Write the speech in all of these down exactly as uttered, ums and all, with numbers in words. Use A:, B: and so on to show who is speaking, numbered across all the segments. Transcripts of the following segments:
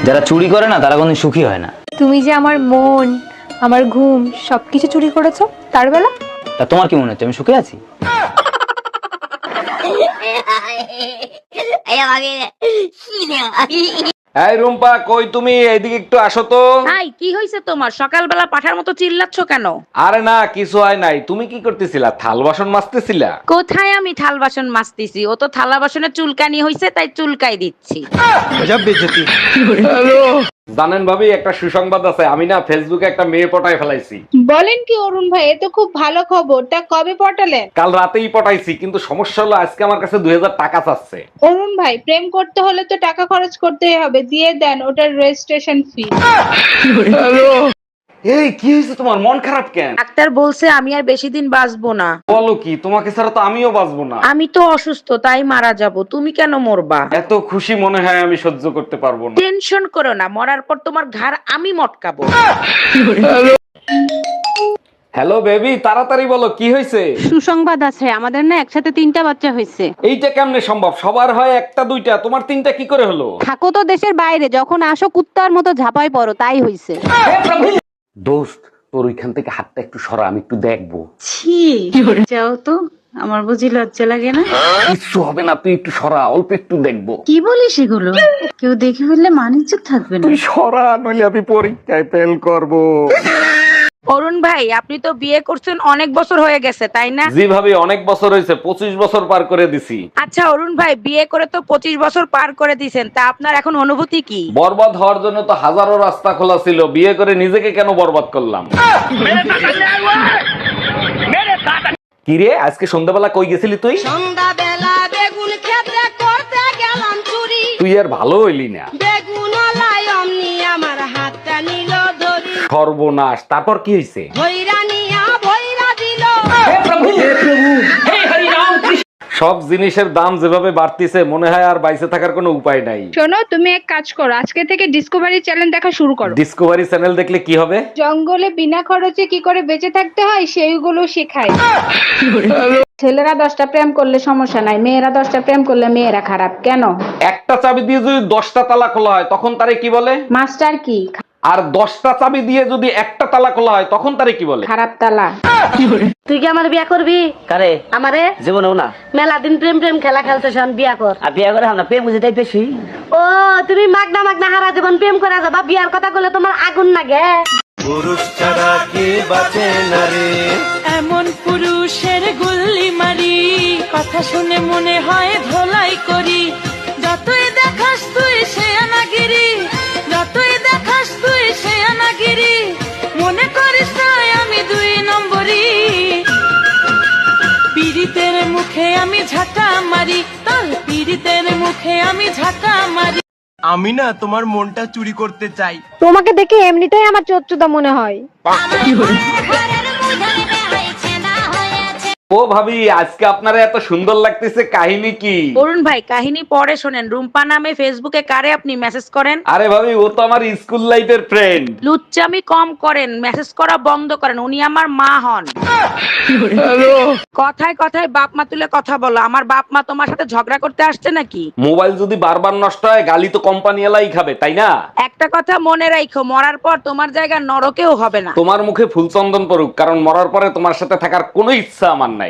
A: যারা চুরি করে না তারা কোনদিন সুখী হয় না।
B: তুমি যে আমার মন, আমার ঘুম সবকিছু চুরি করেছো, তার বেলা
A: তা তোমার কি মনে হচ্ছে আমি সুখে আছি?
C: এই রুম্পা, কই তুমি? এইদিকে একটু আসো তো।
D: হাই, কি হইছে তোমার? সকালবেলা পাঠার মতো চিল্লাচ্ছ কেন?
C: আরে না, কিছু হয় নাই। তুমি কি করতেছিলা? থাল বাসন মাজতেছিলা?
D: কোথায় আমি থাল বাসন মাজতেছি? ও তো থালা বাসনে চুলকানি হইছে, তাই চুলকাই দিচ্ছি।
C: জানেন ভাবি, একটা সুসংবাদ আছে। আমি না ফেসবুকে একটা মেয়ে পটায় ফেলাইছি।
E: বলেন কি অরুণ ভাই, এ তো খুব ভালো খবর। তা কবে পটালেন?
C: কাল রাতেই পটাইছি, কিন্তু সমস্যা হলো আজকে আমার কাছে দুই হাজার টাকা চাচ্ছে।
E: অরুণ ভাই, প্রেম করতে হলে তো টাকা খরচ করতেই হবে, দিয়ে দেন ওটার রেজিস্ট্রেশন ফি।
C: এই কি হয়েছে তোমার? মন খারাপ কেন?
D: ডাক্তার বলছে আমি আর বেশি দিন বাঁচবো না।
C: বলো কি? তোমাকে ছাড়া তো আমিও বাঁচবো না।
D: আমি তো অসুস্থ, তাই মারা যাব। তুমি কেন মরবা?
C: এত খুশি মনে হয় আমি সহ্য করতে পারবো না।
D: টেনশন করো না, মরার পর তোমার ঘাড় আমি মটকাবো।
C: হ্যালো বেবি, তাড়াতাড়ি বলো কি হয়েছে?
F: সুসংবাদ আছে, আমাদের না একসাথে তিনটা বাচ্চা হয়েছে।
C: এইটা কেমনে সম্ভব? সবার হয় একটা দুইটা, তোমার তিনটা কি করে হলো?
F: থাকো তো দেশের বাইরে, যখন আসো কুত্তার মতো ঝাপাই পড়ো, তাই হইছে।
C: দোস্ত, তোর ওইখান থেকে হাতটা একটু সরা, আমি একটু দেখবো।
F: ছি, যাও তো, আমার বুঝি লজ্জা লাগে না?
C: কিচ্ছু হবে না, তুই একটু সরা, অল্প একটু দেখবো।
F: কি বলিস এগুলো? কেউ দেখে ফেললে মানিজ্য থাকবে না।
C: তুই সরা, নইলে আমি পরীক্ষায় ফেল করবো।
D: অরুণ ভাই, আপনি তো বিয়ে করছেন অনেক বছর হয়ে গেছে, তাই না?
C: জি ভাবি, অনেক বছর হয়েছে, পঁচিশ বছর পার করে দিছি।
D: আচ্ছা অরুণ ভাই, বিয়ে করে তো পঁচিশ বছর পার করে দিছেন, তা আপনার এখন অনুভূতি কি?
C: বরবাদ হওয়ার জন্য তো হাজারো রাস্তা খোলা ছিল, বিয়ে করে নিজেকে কেন বরবাদ করলাম? কিরে, আজকে সন্ধ্যাবেলা কই গেছিলি তুই?
G: সন্ধ্যাবেলা বেগুন ক্ষেত্রে করতে গেলাম চুরি,
C: তুই আর ভালো হইলি না।
G: বেগুন লাই অমনি আমার হাতটা নিল ধরি,
C: সর্বনাশ, তারপর কি হয়েছে?
G: ভৈরা নিয়া ভৈরা দিল।
C: সব জিনিসের দাম যেভাবে বাড়তিছে, মনে হয় আর বাইসে থাকার কোনো উপায় নাই।
E: শোনো, তুমি এক কাজ করো, আজকে থেকে ডিসকভারি চ্যানেল দেখা শুরু করো।
C: ডিসকভারি চ্যানেল দেখলে কি হবে?
E: জঙ্গলে বিনা খরচে কি করে বেঁচে থাকতে হয় সেইগুলো শেখায়। ছেলেরা দশটা প্রেম করলে সমস্যা নাই, মেয়েরা দশটা প্রেম করলে মেয়েরা খারাপ কেন?
C: একটা চাবি দিয়ে যদি দশটা তালা খোলা হয় তখন তারে কি বলে?
E: মাস্টার কি?
C: আর দশটা চাবি দিয়ে যদি একটা তালা খোলা হয় তখন তারে কি বলে?
E: খারাপ তালা।
H: তুই কি আমার বিয়া করবি?
A: কারে?
H: আমারে
A: জীবনেও না।
H: মেলা দিন প্রেম প্রেম খেলা খেলতে শোন, বিয়া কর।
A: আর বিয়ে করে আমরা প্রেম বুঝে তাই বেশি।
H: ও তুমি মাগনা মাগনা হারা জীবন প্রেম করে যাবা, বিয়ার কথা বলে তোমার আগুন লাগে।
I: পুরুষ ছাড়া কে বাঁচে না রে,
J: এমন পুরুষের গুল্লি মারি, কথা শুনে মনে হয় ধোলাই করি। যতই দেখাস তুই সে আনাগিরি, যতই দেখাস তুই সে আনাগিরি, মনে করিস না আমি দুই নম্বরি। পীড়িতের মুখে আমি ঝাঁটা মারি, তোর পীড়িতের মুখে আমি ঝাঁটা মারি।
I: আমি না তোমার মনটা চুরি করতে চাই।
F: তোমাকে দেখে এমনিতেই আমার চোদ্দটা মনে হয়।
C: ও ভাবি, আজকে আপনারা এত সুন্দর লাগতেছে, কাহিনী কি?
D: অরুণ ভাই, কাহিনী পরে শোনেন। রুম্পা নামে ফেসবুকে কারে আপনি মেসেজ করেন?
C: আরে ভাবি, ও তো আমার স্কুল লাইফের ফ্রেন্ড।
D: লুচ্চামি কম করেন, মেসেজ করা বন্ধ করেন। উনি আমার মা হন। কথায় কথায় বাপ মা তুলে কথা বলো। আমার বাপ মা তোমার সাথে ঝগড়া করতে আসছে নাকি?
C: মোবাইল যদি বারবার নষ্ট হয় গালি তো কোম্পানি এলাই খাবে, তাই না?
D: একটা কথা মনে রাখো, মরার পর তোমার জায়গা নরকেও হবে না।
C: তোমার মুখে ফুল চন্দন পড়ুক, কারণ মরার পরে তোমার সাথে থাকার কোনো ইচ্ছা আমার নাই।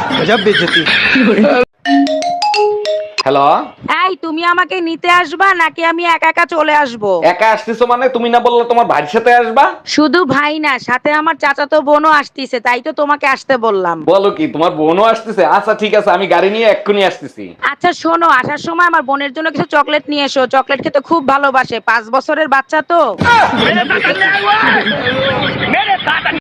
C: হ্যালো,
D: এই তুমি আমাকে নিতে আসবা নাকি আমি একা একা চলে আসবো?
C: একা আসতেছো মানে? তুমি না বললে তোমার ভাইয়ের সাথে আসবা?
D: শুধু ভাই না, সাথে আমার চাচাতো বোনও আসতিছে, তাই তো তোমাকে আসতে বললাম।
C: বলো কি, তোমার বোনও আসতেছে? আচ্ছা ঠিক আছে, আমি গাড়ি নিয়ে এক্ষুনি আসতেছি।
D: আচ্ছা শোনো, আসার সময় আমার বোনের জন্য কিছু চকলেট নিয়ে এসো। চকলেট খেতে খুব ভালোবাসে, পাঁচ বছরের বাচ্চা তো।